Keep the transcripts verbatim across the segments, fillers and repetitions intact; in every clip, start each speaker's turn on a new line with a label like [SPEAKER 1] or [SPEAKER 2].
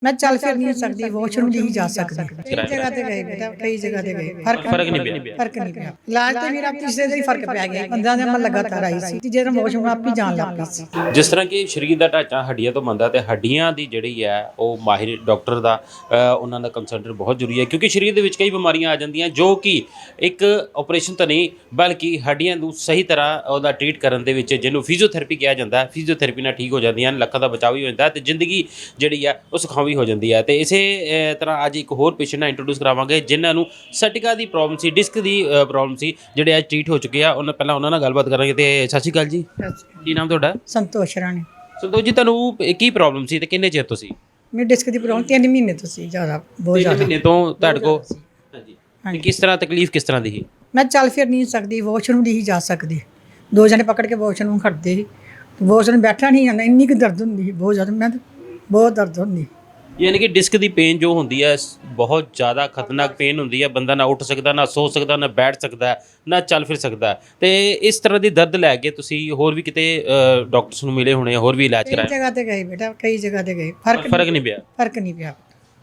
[SPEAKER 1] मैं चल फिर नहीं सकती, वॉशरूम नहीं जा सकती। कई जगह ते गए बेटा, कई जगह ते गए, फर्क
[SPEAKER 2] फर्क नहीं पिया।
[SPEAKER 1] फर्क नहीं पिया। इलाज तो मेरा तीसरे दिन ही फर्क पै गया, पंद्रह दिन मैं लगातार आई सी, ਤੀਜੇ ਦਿਨ ਵੋਸ਼ਰੂਮ ਆਪ ਹੀ ਜਾਣ ਲੱਗ ਪਈ ਸੀ।
[SPEAKER 2] ਜਿਸ ਤਰ੍ਹਾਂ ਕਿ ਸਰੀਰ ਦਾ ਢਾਂਚਾ ਹੱਡੀਆਂ ਤੋਂ ਬਣਦਾ ਤੇ ਹੱਡੀਆਂ ਦੀ ਜਿਹੜੀ ਹੈ ਉਹ ਮਾਹਿਰ ਡਾਕਟਰ ਦਾ ਅ, ਉਹਨਾਂ ਦਾ ਕੰਸਲਟੈਂਟ ਬਹੁਤ ਜ਼ਰੂਰੀ ਹੈ, ਕਿਉਂਕਿ ਸਰੀਰ ਦੇ ਵਿੱਚ ਕਈ ਬਿਮਾਰੀਆਂ ਆ ਜਾਂਦੀਆਂ ਜੋ ਕਿ ਇੱਕ ਆਪਰੇਸ਼ਨ ਤਾਂ ਨਹੀਂ ਬਲਕਿ ਹੱਡੀਆਂ ਨੂੰ ਸਹੀ ਤਰ੍ਹਾਂ ਉਹਦਾ ਟ੍ਰੀਟ ਕਰਨ ਦੇ ਵਿੱਚ, ਜਿਹਨੂੰ ਫਿਜ਼ੀਓਥੈਰੇਪੀ ਕਿਹਾ ਜਾਂਦਾ, ਫਿਜ਼ੀਓਥੈਰੇਪੀ ਨਾਲ ਠੀਕ ਹੋ ਜਾਂਦੀਆਂ, ਲੱਖਾਂ ਦਾ ਬਚਾਅ ਵੀ ਹੋ ਜਾਂਦਾ ਤੇ ਜ਼ਿੰਦਗੀ ਜਿਹੜੀ ਆ ਉਹ ਸੁਖਾਵੀ ਹੋ ਜਾਂਦੀ ਹੈ। ਤੇ ਇਸੇ ਅ, ਤਰ੍ਹਾਂ ਅੱਜ ਇੱਕ ਹੋਰ ਪੇਸ਼ੈਂਟ ਨਾਲ ਇੰਟਰੋਡਿਊਸ ਕਰਾਵਾਂਗੇ ਜਿਨ੍ਹਾਂ ਨੂੰ ਸਟਿਕਾ ਦੀ ਪ੍ਰੋਬਲਮ ਸੀ, ਡਿਸਕ ਦੀ ਪ੍ਰੋਬਲਮ ਸੀ, ਜਿਹੜੇ ਅੱਜ ਟ੍ਰੀਟ ਹੋ ਚੁੱਕੇ ਆ। ਉਹਨਾਂ ਪਹਿਲਾਂ ਉਹਨਾਂ ਨਾਲ ਗੱਲਬਾਤ ਕਰਾਂਗੇ। ਤੇ ਸਤਿ ਸ਼੍ਰੀ ਅਕਾਲ ਜੀ, ਕੀ ਨਾਮ ਤੁਹਾਡਾ?
[SPEAKER 1] ਸੰਤੋਸ਼ ਰਾਣੀ।
[SPEAKER 2] ਸੰਤੋਸ਼ ਜੀ, ਤੁਹਾਨੂੰ ਕੀ ਪ੍ਰੋਬਲਮ ਸੀ ਤੇ ਕਿੰਨੇ ਚਿਰ ਤੋਂ ਸੀ?
[SPEAKER 1] ਮੇਰੀ ਡਿਸਕ ਦੀ ਪ੍ਰੋਬਲਮ ਤਿੰਨ ਮਹੀਨੇ ਤੋਂ ਸੀ, ਜ਼ਿਆਦਾ ਬਹੁਤ
[SPEAKER 2] ਤਿੰਨ
[SPEAKER 1] ਜ਼ਿਆਦਾ।
[SPEAKER 2] ਮਹੀਨੇ ਤੋਂ ਤੁਹਾਡੇ ਕੋਲ? ਹਾਂਜੀ। ਤੇ ਕਿਸ ਤਰ੍ਹਾਂ ਤਕਲੀਫ ਕਿਸ ਤਰ੍ਹਾਂ ਦੀ ਸੀ?
[SPEAKER 1] ਮੈਂ ਚੱਲ ਫਿਰ ਨਹੀਂ ਸਕਦੀ, ਵੋਸ਼ਰੂਮ ਨਹੀਂ ਜਾ ਸਕਦੀ। ਦੋ ਜਣੇ ਪਕੜ ਕੇ ਵੋਸ਼ਰੂਮ ਖੜਦੇ ਸੀ, ਵੋਸ਼ਰੂਮ ਬੈਠਾ ਨਹੀਂ ਜਾਂਦਾ, ਇੰਨੀ ਕੁ ਦਰਦ ਹੁੰਦੀ ਸੀ ਬਹੁਤ ਜ਼ਿਆਦਾ। ਮੈਂ ਤਾਂ ਬਹੁਤ ਦਰਦ ਹੁੰਦੀ।
[SPEAKER 2] ਯਾਨੀ ਕਿ ਡਿਸਕ ਦੀ ਪੇਨ ਜੋ ਹੁੰਦੀ ਹੈ ਬਹੁਤ ਜ਼ਿਆਦਾ ਖਤਰਨਾਕ ਪੇਨ ਹੁੰਦੀ ਹੈ। ਬੰਦਾ ਨਾ ਉੱਠ ਸਕਦਾ, ਨਾ ਸੋ ਸਕਦਾ, ਨਾ ਬੈਠ ਸਕਦਾ, ਨਾ ਚੱਲ ਫਿਰ ਸਕਦਾ। ਤੇ ਇਸ ਤਰ੍ਹਾਂ ਦੀ ਦਰਦ ਲੈ ਕੇ ਤੁਸੀਂ ਹੋਰ ਵੀ ਕਿਤੇ ਡਾਕਟਰਸ ਨੂੰ ਮਿਲੇ ਹੋਣੇ, ਹੋਰ ਵੀ ਇਲਾਜ
[SPEAKER 1] ਕਈ
[SPEAKER 2] ਕਰਾਇਆ?
[SPEAKER 1] ਜਗ੍ਹਾ ਤੇ ਗਏ ਬੇਟਾ, ਕਈ ਜਗ੍ਹਾ ਤੇ ਗਏ, ਫਰਕ
[SPEAKER 2] ਫਰਕ ਨਹੀਂ ਪਿਆ।
[SPEAKER 1] ਫਰਕ ਨਹੀਂ ਪਿਆ।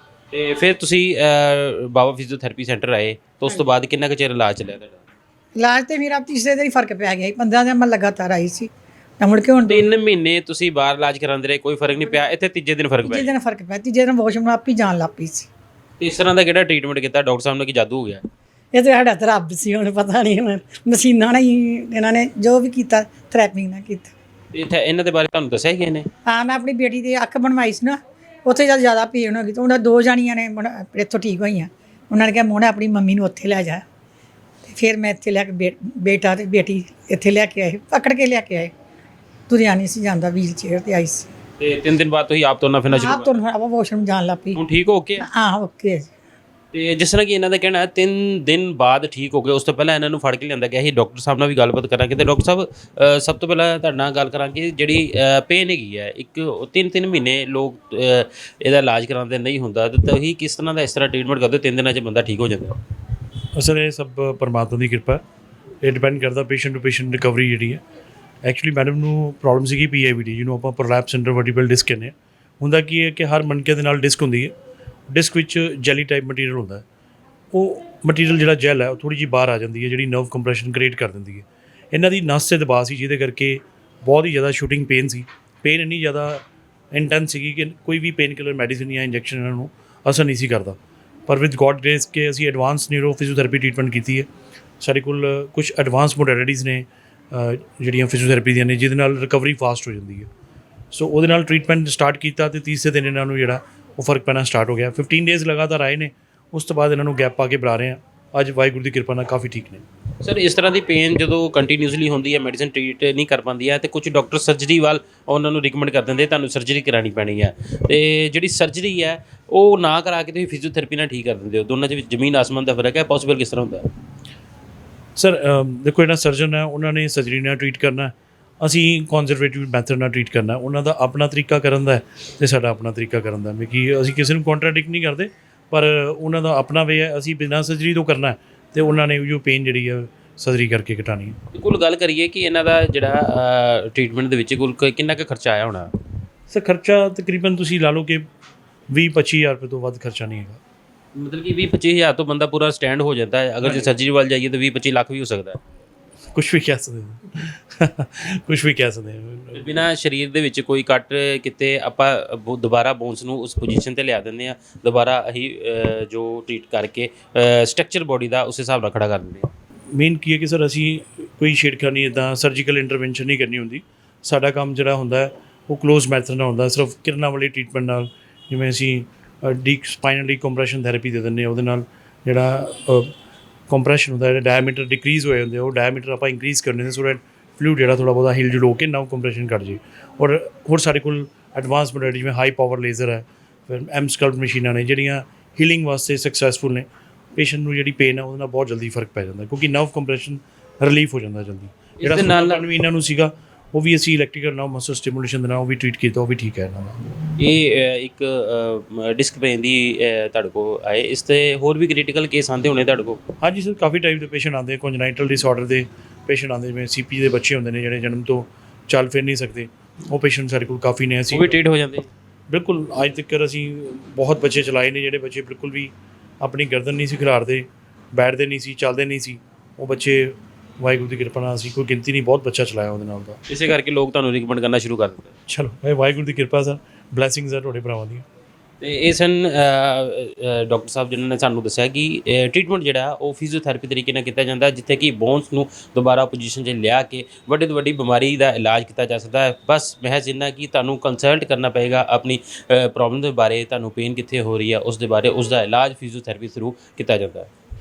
[SPEAKER 2] ਤੇ ਫਿਰ ਤੁਸੀਂ ਅ, ਬਾਬਾ ਫਿਜ਼ੀਓਥੈਰੇਪੀ ਸੈਂਟਰ ਆਏ ਤਾਂ ਉਸ ਤੋਂ ਬਾਅਦ ਕਿੰਨਾ ਕੁ ਚਿਰ ਇਲਾਜ ਚੱਲਿਆ ਤੁਹਾਡਾ?
[SPEAKER 1] ਇਲਾਜ ਤੇ ਮੇਰਾ ਤੀਸਰੇ ਦਿਨ ਹੀ ਫਰਕ ਪੈ ਗਿਆ, ਪੰਦਰਾਂ ਦਿਨ ਮੈਂ ਲਗਾਤਾਰ ਆਈ ਸੀ। ਤਾਂ ਮੁੜ ਕੇ ਹੁਣ
[SPEAKER 2] ਤਿੰਨ ਮਹੀਨੇ ਤੁਸੀਂ ਬਾਹਰ ਇਲਾਜ ਕਰਾਉਂਦੇ ਰਹੇ, ਕੋਈ ਫਰਕ ਨਹੀਂ ਪਿਆ। ਇੱਥੇ ਤੀਜੇ ਦਿਨ ਫਰਕ
[SPEAKER 1] ਤੀਜੇ
[SPEAKER 2] ਪਿਆ।
[SPEAKER 1] ਦਿਨ ਫਰਕ ਪਿਆ, ਤੀਜੇ ਦਿਨ ਵੋਸ਼ਰੂਮ ਆਪ ਹੀ ਜਾਣ ਲੱਗ ਪਈ ਸੀ।
[SPEAKER 2] ਤੇ ਇਸ ਤਰ੍ਹਾਂ ਦਾ ਕਿਹੜਾ ਟ੍ਰੀਟਮੈਂਟ ਕੀਤਾ ਡਾਕਟਰ ਸਾਹਿਬ ਨੇ ਕਿ ਜਾਦੂ ਹੋ ਗਿਆ?
[SPEAKER 1] ਇਹ ਤਾਂ ਸਾਡਾ ਤਾਂ ਰੱਬ ਸੀ, ਹੁਣ ਪਤਾ ਨਹੀਂ, ਹੁਣ ਮਸ਼ੀਨਾਂ ਨਾਲ ਹੀ ਇਹਨਾਂ ਨੇ ਜੋ ਵੀ ਕੀਤਾ, ਥੈਰੇਪਿੰਗ ਨਾਲ ਕੀਤਾ।
[SPEAKER 2] ਤੇ ਇੱਥੇ ਇਹਨਾਂ ਦੇ ਬਾਰੇ ਤੁਹਾਨੂੰ ਦੱਸਿਆ ਕਿ ਨੇ?
[SPEAKER 1] ਹਾਂ, ਮੈਂ ਆਪਣੀ ਬੇਟੀ ਦੀ ਅੱਖ ਬਣਵਾਈ ਸੀ ਨਾ, ਉੱਥੇ ਜਦ ਜ਼ਿਆਦਾ ਪੀੜ ਹੋ ਗਈ ਤਾਂ ਉਹਨਾਂ ਦੋ ਜਾਣੀਆਂ ਨੇ ਬਣ- ਇੱਥੋਂ ਠੀਕ ਹੋਈਆਂ। ਉਹਨਾਂ ਨੇ ਕਿਹਾ ਮੋਹਣਾ ਆਪਣੀ ਮੰਮੀ ਨੂੰ ਉੱਥੇ ਲੈ ਜਾ। ਤੇ ਫਿਰ ਮੈਂ ਇੱਥੇ ਲੈ ਕੇ ਬੇ- ਬੇਟਾ ਤੇ ਬੇਟੀ ਇੱਥੇ ਲੈ ਕੇ ਆਏ, ਪਕੜ ਕੇ ਲੈ ਕੇ ਆਏ। ਤੁਰਿਆ ਨਹੀਂ ਸੀ ਜਾਂਦਾ, ਵੀਲ ਚੇਅਰ ਤੇ ਆਈ ਸੀ।
[SPEAKER 2] ਤੇ ਤਿੰਨ ਦਿਨ ਬਾਅਦ ਤੁਸੀਂ ਆਪ ਤੁਰਨਾ ਫਿਰਨਾ ਸ਼ੁਰੂ
[SPEAKER 1] ਆਪ ਤੋਂ ਆਪਾਂ ਵਾਸ਼ਰੂਮ ਜਾਣ ਲੱਗ ਪਈ।
[SPEAKER 2] ਹੁਣ ਠੀਕ ਹੋ ਕੇ?
[SPEAKER 1] ਹਾਂ, ਓਕੇ।
[SPEAKER 2] ਤੇ ਜਿਸ ਤਰ੍ਹਾਂ ਕਿ ਇਹਨਾਂ ਦਾ ਕਹਿਣਾ ਹੈ ਤਿੰਨ ਦਿਨ ਬਾਅਦ ਠੀਕ ਹੋ ਗਏ। ਉਸ ਤੋਂ ਪਹਿਲਾਂ ਇਹਨਾਂ ਨੂੰ ਫੜ ਕੇ ਲਿਆਂਦਾ ਗਿਆ ਸੀ। ਡਾਕਟਰ ਸਾਹਿਬ ਨਾਲ ਵੀ ਗੱਲਬਾਤ ਕਰਾਂਗੇ। ਤੇ ਡਾਕਟਰ ਸਾਹਿਬ ਅ, ਸਭ ਤੋਂ ਪਹਿਲਾਂ ਤੁਹਾਡੇ ਨਾਲ ਗੱਲ ਕਰਾਂਗੇ, ਜਿਹੜੀ ਪੇਨ ਹੈਗੀ ਹੈ, ਇੱਕ ਤਿੰਨ ਤਿੰਨ ਮਹੀਨੇ ਲੋਕ ਅ, ਇਹਦਾ ਇਲਾਜ ਕਰਾਉਂਦੇ ਨਹੀਂ ਹੁੰਦਾ, ਤੇ ਤੁਸੀਂ ਕਿਸ ਤਰ੍ਹਾਂ ਦਾ ਇਸ ਤਰ੍ਹਾਂ ਟ੍ਰੀਟਮੈਂਟ ਕਰਦੇ ਹੋ ਤਿੰਨ ਦਿਨਾਂ 'ਚ ਬੰਦਾ ਠੀਕ ਹੋ ਜਾਂਦਾ?
[SPEAKER 3] ਅਸਲ ਇਹ ਸਭ ਪਰਮਾਤਮਾ ਦੀ ਕਿਰਪਾ। ਇਹ ਡਿਪੈਂਡ ਕਰਦਾ ਪੇਸ਼ੈਂਟ ਟੂ ਪੇਸ਼ੈਂਟ ਰਿਕਵਰੀ ਜਿਹੜੀ ਹੈ। ਐਕਚੁਅਲੀ ਮੈਡਮ ਨੂੰ ਪ੍ਰੋਬਲਮ ਸੀਗੀ ਪੀ ਆਈ ਵੀ ਡੀ, ਜਿਹਨੂੰ ਆਪਾਂ ਪ੍ਰੋਲੈਪਸ ਇੰਟਰਵਰਟੀਬਲ ਡਿਸਕ ਕਹਿੰਦੇ ਹਾਂ। ਹੁੰਦਾ ਕੀ ਹੈ ਕਿ ਹਰ ਮਣਕੇ ਦੇ ਨਾਲ ਡਿਸਕ ਹੁੰਦੀ ਹੈ। ਡਿਸਕ ਵਿੱਚ ਜੈਲੀ ਟਾਈਪ ਮਟੀਰੀਅਲ ਹੁੰਦਾ ਹੈ। ਉਹ ਮਟੀਰੀਅਲ ਜਿਹੜਾ ਜੈਲ ਹੈ ਉਹ ਥੋੜ੍ਹੀ ਜਿਹੀ ਬਾਹਰ ਆ ਜਾਂਦੀ ਹੈ, ਜਿਹੜੀ ਨਰਵ ਕੰਪਰੈਸ਼ਨ ਕ੍ਰੀਏਟ ਕਰ ਦਿੰਦੀ ਹੈ। ਇਹਨਾਂ ਦੀ ਨਸ 'ਤੇ ਦਬਾਅ ਸੀ, ਜਿਹਦੇ ਕਰਕੇ ਬਹੁਤ ਹੀ ਜ਼ਿਆਦਾ ਸ਼ੂਟਿੰਗ ਪੇਨ ਸੀ। ਪੇਨ ਇੰਨੀ ਜ਼ਿਆਦਾ ਇੰਟੈਂਸ ਸੀਗੀ ਕਿ ਕੋਈ ਵੀ ਪੇਨ ਕਿਲਰ ਮੈਡੀਸਿਨ ਜਾਂ ਇੰਜੈਕਸ਼ਨ ਇਹਨਾਂ ਨੂੰ ਅਸਰ ਨਹੀਂ ਸੀ ਕਰਦਾ। ਪਰ ਵਿਦ ਗੋਡ ਗ੍ਰੇਸ ਕੇ ਅਸੀਂ ਐਡਵਾਂਸ ਨਿਊਰੋ ਫਿਜ਼ੀਓਥੈਰੇਪੀ ਟ੍ਰੀਟਮੈਂਟ ਕੀਤੀ ਹੈ। ਸਾਡੇ ਕੋਲ ਕੁਝ ਐਡਵਾਂਸ ਮੋਡੈਲਿਟੀਜ਼ ਨੇ ਜਿਹੜੀਆਂ ਫਿਜ਼ੀਓਥੈਰੇਪੀ ਦੀਆਂ ਨੇ, ਜਿਹਦੇ ਨਾਲ ਰਿਕਵਰੀ ਫਾਸਟ ਹੋ ਜਾਂਦੀ ਹੈ। ਸੋ ਉਹਦੇ ਨਾਲ ਟ੍ਰੀਟਮੈਂਟ ਸਟਾਰਟ ਕੀਤਾ ਤੇ ਤੀਸਰੇ ਦਿਨ ਇਹਨਾਂ ਨੂੰ ਜਿਹੜਾ ਉਹ ਫਰਕ ਪੈਣਾ ਸਟਾਰਟ ਹੋ ਗਿਆ। ਫਿਫਟੀਨ ਡੇਜ਼ ਲਗਾਤਾਰ ਆਏ ਨੇ, ਉਸ ਤੋਂ ਬਾਅਦ ਇਹਨਾਂ ਨੂੰ ਗੈਪ ਪਾ ਕੇ ਬੁਲਾ ਰਹੇ ਹਾਂ। ਅੱਜ ਵਾਹਿਗੁਰੂ ਦੀ ਕਿਰਪਾ ਨਾਲ ਕਾਫੀ ਠੀਕ ਨੇ।
[SPEAKER 2] ਸਰ, ਇਸ ਤਰ੍ਹਾਂ ਦੀ ਪੇਨ ਜਦੋਂ ਕੰਟੀਨਿਊਸਲੀ ਹੁੰਦੀ ਹੈ, ਮੈਡੀਸਿਨ ਟ੍ਰੀਟ ਨਹੀਂ ਕਰ ਪਾਉਂਦੀ ਹੈ, ਤੇ ਕੁਝ ਡਾਕਟਰ ਸਰਜਰੀ ਵੱਲ ਉਹਨਾਂ ਨੂੰ ਰਿਕਮੈਂਡ ਕਰ ਦਿੰਦੇ, ਤੁਹਾਨੂੰ ਸਰਜਰੀ ਕਰਾਉਣੀ ਪੈਣੀ ਹੈ। ਤੇ ਜਿਹੜੀ ਸਰਜਰੀ ਹੈ ਉਹ ਨਾ ਕਰਾ ਕੇ ਤੁਸੀਂ ਫਿਜ਼ੀਓਥੈਰੇਪੀ ਨਾਲ ਠੀਕ ਕਰ ਦਿੰਦੇ ਹੋ। ਦੋਨਾਂ 'ਚ ਵਿੱਚ ਜ਼ਮੀਨ ਆਸਮਾਨ ਦਾ ਫਰਕ ਹੈ। ਪੋਸੀਬਲ ਕਿਸ ਤਰ੍ਹਾਂ ਹੁੰਦਾ?
[SPEAKER 3] ਸਰ ਦੇਖੋ, ਜਿਹੜਾ ਸਰਜਨ ਹੈ ਉਹਨਾਂ ਨੇ ਸਰਜਰੀ ਨਾਲ ਟਰੀਟ ਕਰਨਾ, ਅਸੀਂ ਕੰਜ਼ਰਵੇਟਿਵ ਮੈਥਡ ਨਾਲ ਟਰੀਟ ਕਰਨਾ। ਉਹਨਾਂ ਦਾ ਆਪਣਾ ਤਰੀਕਾ ਕਰਨ ਦਾ ਅਤੇ ਸਾਡਾ ਆਪਣਾ ਤਰੀਕਾ ਕਰਨ ਦਾ। ਕਿ ਅਸੀਂ ਕਿਸੇ ਨੂੰ ਕੰਟਰਾਡਿਕਟ ਨਹੀਂ ਕਰਦੇ, ਪਰ ਉਹਨਾਂ ਦਾ ਆਪਣਾ ਵੇ ਹੈ। ਅਸੀਂ ਬਿਨਾਂ ਸਰਜਰੀ ਤੋਂ ਕਰਨਾ ਅਤੇ ਉਹਨਾਂ ਨੇ ਉਹ ਪੇਨ ਜਿਹੜੀ ਹੈ ਸਰਜਰੀ ਕਰਕੇ ਘਟਾਉਣੀ ਹੈ।
[SPEAKER 2] ਕੁੱਲ ਗੱਲ ਕਰੀਏ ਕਿ ਇਹਨਾਂ ਦਾ ਜਿਹੜਾ ਟ੍ਰੀਟਮੈਂਟ ਦੇ ਵਿੱਚ ਕੁੱਲ ਕਿੰਨਾ ਕੁ ਖਰਚਾ ਆਇਆ ਹੋਣਾ?
[SPEAKER 3] ਸਰ ਖਰਚਾ ਤਕਰੀਬਨ ਤੁਸੀਂ ਲਾ ਲਓ ਕਿ ਵੀਹ ਪੱਚੀ ਹਜ਼ਾਰ ਰੁਪਏ ਤੋਂ ਵੱਧ ਖਰਚਾ ਨਹੀਂ ਹੈਗਾ।
[SPEAKER 2] ਮਤਲਬ ਕਿ ਵੀਹ ਪੱਚੀ ਹਜ਼ਾਰ ਤੋਂ ਬੰਦਾ ਪੂਰਾ ਸਟੈਂਡ ਹੋ ਜਾਂਦਾ ਹੈ। ਅਗਰ ਜੇ ਸਰਜਰੀ ਵੱਲ ਜਾਈਏ ਤਾਂ ਵੀਹ ਪੱਚੀ ਲੱਖ ਵੀ ਹੋ ਸਕਦਾ ਹੈ।
[SPEAKER 3] ਕੁਛ ਵੀ ਕਹਿ ਸਕਦੇ ਹੋ ਕੁਛ ਵੀ ਕਹਿ ਸਕਦੇ ਹੋ।
[SPEAKER 2] ਬਿਨਾਂ ਸਰੀਰ ਦੇ ਵਿੱਚ ਕੋਈ ਕੱਟ ਕਿਤੇ ਆਪਾਂ ਬ- ਦੁਬਾਰਾ ਬੋਨਸ ਨੂੰ ਉਸ ਪੋਜੀਸ਼ਨ 'ਤੇ ਲਿਆ ਦਿੰਦੇ ਹਾਂ। ਦੁਬਾਰਾ ਅਸੀਂ ਅ, ਜੋ ਟਰੀਟ ਕਰਕੇ ਸਟਰਕਚਰ ਬੋਡੀ ਦਾ ਉਸ ਹਿਸਾਬ ਨਾਲ ਖੜਾ ਕਰ ਦਿੰਦੇ ਹਾਂ।
[SPEAKER 3] ਮੇਨ ਕੀ ਹੈ ਕਿ ਸਰ ਅਸੀਂ ਕੋਈ ਛੇੜਖਾਨੀ ਇੱਦਾਂ ਸਰਜੀਕਲ ਇੰਟਰਵੈਂਸ਼ਨ ਨਹੀਂ ਕਰਨੀ ਹੁੰਦੀ। ਸਾਡਾ ਕੰਮ ਜਿਹੜਾ ਹੁੰਦਾ ਹੈ ਉਹ ਕਲੋਜ਼ ਮੈਥਡ ਨਾਲ ਹੁੰਦਾ, ਸਿਰਫ ਕਿਰਨਾਂ ਵਾਲੀ ਟਰੀਟਮੈਂਟ ਨਾਲ। ਜਿਵੇਂ ਅਸੀਂ ਡੀ ਸਪਾਈਨਲ ਡੀਕੰਪਰੈਸ਼ਨ ਥੈਰੇਪੀ ਦੇ ਦਿੰਦੇ ਹਾਂ, ਉਹਦੇ ਨਾਲ ਜਿਹੜਾ ਕੰਪਰੈਸ਼ਨ ਹੁੰਦਾ, ਜਿਹੜਾ ਡਾਇਆਮੀਟਰ ਡਿਕਰੀਜ਼ ਹੋਏ ਹੁੰਦੇ, ਉਹ ਡਾਇਆਮੀਟਰ ਆਪਾਂ ਇੰਕਰੀਜ਼ ਕਰਨੇ ਨੇ, ਸੋ ਦੈਟ ਫਲੂਇਡ ਜਿਹੜਾ ਥੋੜ੍ਹਾ ਬਹੁਤਾ ਹਿਲ ਜੁਲ ਹੋ ਕੇ ਨਰਵ ਕੰਪਰੈਸ਼ਨ ਘੱਟ ਜੇ। ਔਰ ਹੋਰ ਸਾਡੇ ਕੋਲ ਐਡਵਾਂਸ ਮੋਡੈਲਿਟੀ ਜਿਵੇਂ ਹਾਈ ਪਾਵਰ ਲੇਜ਼ਰ ਹੈ, ਫਿਰ ਐਮ ਸਕਲਪਟ ਮਸ਼ੀਨਾਂ ਨੇ ਜਿਹੜੀਆਂ ਹੀਲਿੰਗ ਵਾਸਤੇ ਸਕਸੈਸਫੁਲ ਨੇ। ਪੇਸ਼ੈਂਟ ਨੂੰ ਜਿਹੜੀ ਪੇਨ ਹੈ ਉਹਦੇ ਨਾਲ ਬਹੁਤ ਜਲਦੀ ਫਰਕ ਪੈ ਜਾਂਦਾ, ਕਿਉਂਕਿ ਨਰਵ ਕੰਪਰੈਸ਼ਨ ਰਿਲੀਫ ਹੋ ਜਾਂਦਾ ਜਲਦੀ। ਜਿਹੜਾ ਨਾਲ ਵੀ ਇਹਨਾਂ ਨੂੰ ਸੀਗਾ ਉਹ ਵੀ ਅਸੀਂ ਇਲੈਕਟ੍ਰੀਕਲ ਨਰਵ ਮਸਲ ਸਟੀਮੂਲੇਸ਼ਨ ਦੇ ਨਾਲ ਉਹ ਵੀ ਟਰੀਟ ਕੀਤਾ, ਉਹ ਵੀ ਠੀਕ ਹੈ ਇਹਨਾਂ ਦਾ।
[SPEAKER 2] ਇਹ ਅ, ਇੱਕ ਡਿਸਕ ਪੇਨ ਦੀ ਅ, ਤੁਹਾਡੇ ਕੋਲ ਆਏ, ਇਸ 'ਤੇ ਹੋਰ ਵੀ ਕ੍ਰਿਟੀਕਲ ਕੇਸ ਆਉਂਦੇ ਹੋਣੇ ਤੁਹਾਡੇ ਕੋਲ?
[SPEAKER 3] ਹਾਂਜੀ ਸਰ, ਕਾਫੀ ਟਾਈਪ ਦੇ ਪੇਸ਼ੈਂਟ ਆਉਂਦੇ, ਕੰਜਨਾਈਟਲ ਡਿਸਆਰਡਰ ਦੇ ਪੇਸ਼ੈਂਟ ਆਉਂਦੇ, ਜਿਵੇਂ ਸੀ ਪੀ ਦੇ ਬੱਚੇ ਹੁੰਦੇ ਨੇ ਜਿਹੜੇ ਜਨਮ ਤੋਂ ਚੱਲ ਫਿਰ ਨਹੀਂ ਸਕਦੇ, ਉਹ ਪੇਸ਼ੈਂਟ ਸਾਡੇ ਕੋਲ ਕਾਫੀ ਨੇ। ਅਸੀਂ
[SPEAKER 2] ਉਹ ਵੀ ਟ੍ਰੀਟ ਹੋ ਜਾਂਦੇ?
[SPEAKER 3] ਬਿਲਕੁਲ ਅੱਜ ਤੱਕ ਅਸੀਂ ਬਹੁਤ ਬੱਚੇ ਚਲਾਏ ਨੇ ਜਿਹੜੇ ਬੱਚੇ ਬਿਲਕੁਲ ਵੀ ਆਪਣੀ ਗਰਦਨ ਨਹੀਂ ਸੀ ਖਿਲਾਰਦੇ, ਬੈਠਦੇ ਨਹੀਂ ਸੀ, ਚੱਲਦੇ ਨਹੀਂ ਸੀ, ਉਹ ਬੱਚੇ ਵਾਹਿਗੁਰੂ ਦੀ ਕਿਰਪਾ ਨਾਲ ਅਸੀਂ ਕੋਈ ਗਿਣਤੀ ਨਹੀਂ ਬਹੁਤ ਬੱਚਾ ਚਲਾਇਆ ਉਹਦੇ ਨਾਲ ਦਾ।
[SPEAKER 2] ਇਸੇ ਕਰਕੇ ਲੋਕ ਤੁਹਾਨੂੰ ਰਿਕਮੈਂਡ ਕਰਨਾ ਸ਼ੁਰੂ ਕਰ ਦਿੱਤਾ।
[SPEAKER 3] ਚਲੋ ਇਹ ਵਾਹਿਗੁਰੂ ਦੀ ਕਿਰਪਾ ਸਰ, ਬਲੈਸਿੰਗਸ ਆ ਤੁਹਾਡੇ ਭਰਾਵਾਂ ਦੀਆਂ।
[SPEAKER 2] ਤੇ ਇਹ ਸਨ ਡਾਕਟਰ ਸਾਹਿਬ ਜਿਨ੍ਹਾਂ ਨੇ ਸਾਨੂੰ ਦੱਸਿਆ ਕਿ ਟ੍ਰੀਟਮੈਂਟ ਜਿਹੜਾ ਉਹ ਫਿਜ਼ੀਓਥੈਰੇਪੀ ਤਰੀਕੇ ਨਾਲ ਕੀਤਾ ਜਾਂਦਾ, ਜਿੱਥੇ ਕਿ ਬੋਨਸ ਨੂੰ ਦੁਬਾਰਾ ਪੋਜੀਸ਼ਨ 'ਚ ਲਿਆ ਕੇ ਵੱਡੇ ਤੋਂ ਵੱਡੀ ਬਿਮਾਰੀ ਦਾ ਇਲਾਜ ਕੀਤਾ ਜਾ ਸਕਦਾ ਹੈ। ਬਸ ਮਹਿਜ਼ ਇੰਨਾ ਕਿ ਤੁਹਾਨੂੰ ਕੰਸਲਟ ਕਰਨਾ ਪਏਗਾ ਆਪਣੀ ਪ੍ਰੋਬਲਮ ਦੇ ਬਾਰੇ, ਤੁਹਾਨੂੰ ਪੇਨ ਕਿੱਥੇ ਹੋ ਰਹੀ ਹੈ ਉਸ ਦੇ ਬਾਰੇ, ਉਸ ਦਾ ਇਲਾਜ ਫਿਜ਼ੀਓਥੈਰੇਪੀ ਥਰੂ ਕੀਤਾ ਜਾਂਦਾ ਹੈ।